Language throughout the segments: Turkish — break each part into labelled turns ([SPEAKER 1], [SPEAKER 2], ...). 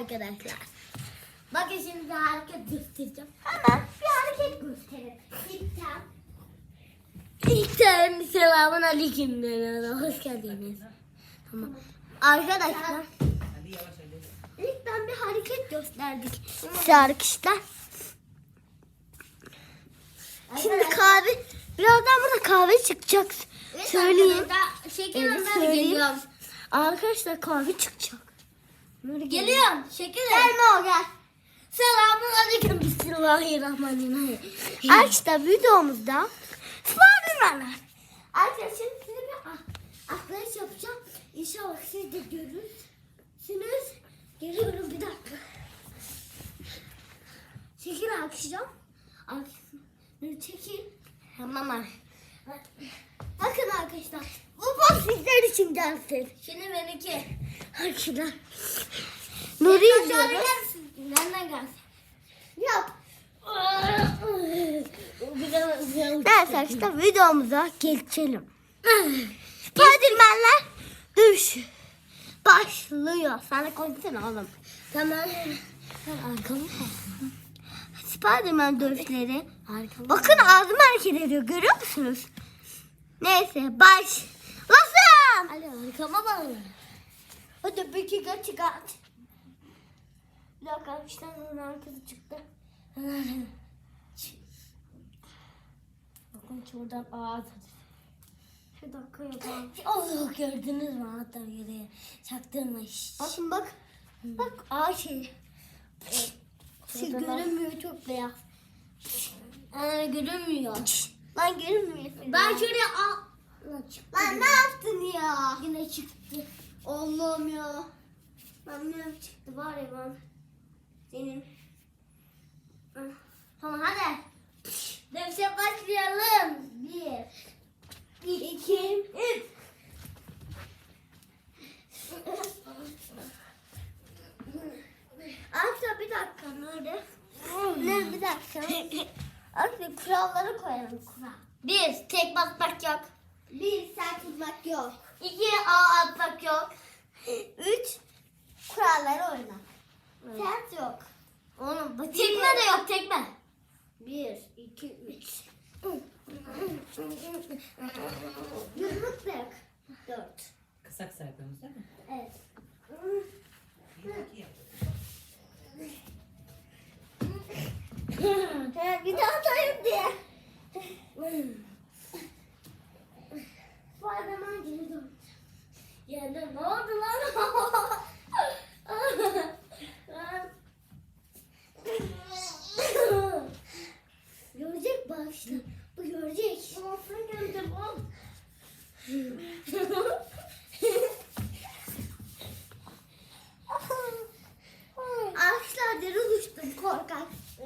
[SPEAKER 1] arkadaşlar. Bakın şimdi hareket göstereceğim. Hemen bir hareket gösterin. İlkten selamun aleyküm. Hoş geldiniz. Tamam. Arkadaşlar. İlkten bir hareket gösterdik size arkadaşlar. Şimdi kahve, birazdan burada kahve çıkacak. Söyleyeyim.
[SPEAKER 2] Şekerim ben
[SPEAKER 1] söyleyeyim.
[SPEAKER 2] geliyorum.
[SPEAKER 1] Arkadaşlar kahve çıkacak.
[SPEAKER 2] Geliyorum. Şekerim.
[SPEAKER 1] Gelme o gel.
[SPEAKER 2] Selamun aleyküm. Bismillahirrahmanirrahim.
[SPEAKER 1] Arkadaşlar videomuzda Spiderman'lar. Arkadaşlar şimdi size bir atlayış yapacağım. İnşallah siz de görürsünüz. Geliyorum bir dakika. Şekil akışacağım. Çekil.
[SPEAKER 2] Tamam.
[SPEAKER 1] Bakın arkadaşlar. Bu box sizler için gelsin.
[SPEAKER 2] Şimdi benimki.
[SPEAKER 1] Arkadaşlar. Nuri izliyoruz.
[SPEAKER 2] Nereden gelsin?
[SPEAKER 1] Yap.
[SPEAKER 2] Biraz
[SPEAKER 1] Neyse arkadaşlar videomuza geçelim. Spiderman'ler dövüşü başlıyor. Sen de konuşsana oğlum.
[SPEAKER 2] Tamam.
[SPEAKER 1] Arkamı Spiderman dövüşleri. Bakın ağzım hareket ediyor. Görüyor musunuz? Neyse başlasın.
[SPEAKER 2] Hadi arkama bak.
[SPEAKER 1] Hadi bir iki çıkart. Bir dakika arkadaşlar onun arkası çıktı.
[SPEAKER 2] Bakın şuradan ağız.
[SPEAKER 1] Şu dakika yapalım.
[SPEAKER 2] Oh, gördünüz mü? Hatta yere çaktırmış.
[SPEAKER 1] Bakın bak. Bak ağaç şey. Şey
[SPEAKER 2] Şurada bak.
[SPEAKER 1] görünmüyor çok beyaz.
[SPEAKER 2] Görünmüyor.
[SPEAKER 1] Lan görünmüyor.
[SPEAKER 2] Ben şuraya
[SPEAKER 1] Lan ne yaptın ya?
[SPEAKER 2] yine çıktı.
[SPEAKER 1] Allah'ım ya. Ben ne çıktı var ya ben. Senin.
[SPEAKER 2] Tamam hadi. Dövüşe başlayalım.
[SPEAKER 1] Bir, iki, üç. Arkadaşlar bir dakika nerede? Ne bir dakika. Arkadaşlar kuralları koyalım kural.
[SPEAKER 2] Bir, tek basmak yok.
[SPEAKER 1] Bir, sen tutmak yok.
[SPEAKER 2] İki, ağ atmak yok.
[SPEAKER 1] Üç, kuralları oyna. Sert yok.
[SPEAKER 2] Oğlum tekme de yok tekme.
[SPEAKER 1] Bir, iki, üç. Yumruk da yok. Dört.
[SPEAKER 3] Kısak saydığımız değil mi?
[SPEAKER 1] Evet. Bir daha atayım diye. Spiderman geri dön.
[SPEAKER 2] Yerde ne oldu lan?
[SPEAKER 1] Görecek bak işte. Bu görecek.
[SPEAKER 2] Olsun gördüm oğlum.
[SPEAKER 1] Ağaçlar deri düştüm korkak.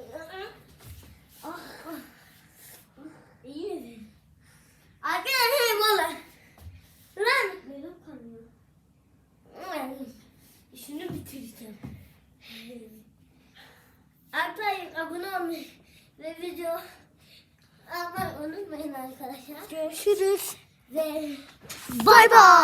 [SPEAKER 2] İyi mi? Arkadaşlar mola. Lan.
[SPEAKER 1] Benim kanıyor.
[SPEAKER 2] Şunu bitireceğim. Arkadaşlar abone olmayı ve video atmayı unutmayın arkadaşlar.
[SPEAKER 1] Görüşürüz.
[SPEAKER 2] Ve
[SPEAKER 1] Bay bay.